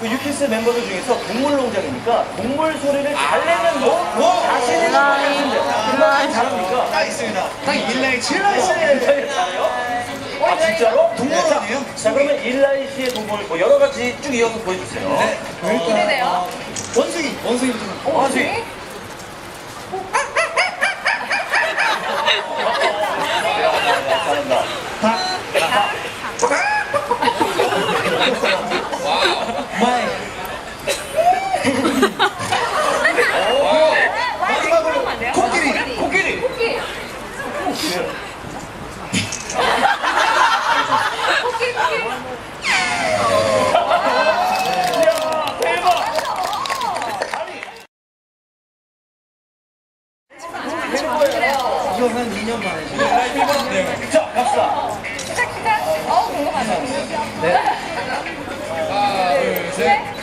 그 유키스 멤버들 중에서 동물농장이니까 동물 소리를 잘 내는 자신이 있는데 잘합니까? 딱 있습니다. 딱 일라이 7라이 잘해요? 아 진짜로? 동물원이에요? 자 그러면 일라이 씨의 동물 뭐 여러 가지 쭉 이어서 보여주세요. 네. 기대돼요. 원숭이. 원숭이부터. 원숭이. 잘한다. 마이. 마지막으로 코끼리. 코끼리. 코끼리. 코끼리. 이야 대박. 그래요. 이거 한 2년 만에. 자 갑시다. 시작. 궁금하다. 네. 하나, 둘, 셋.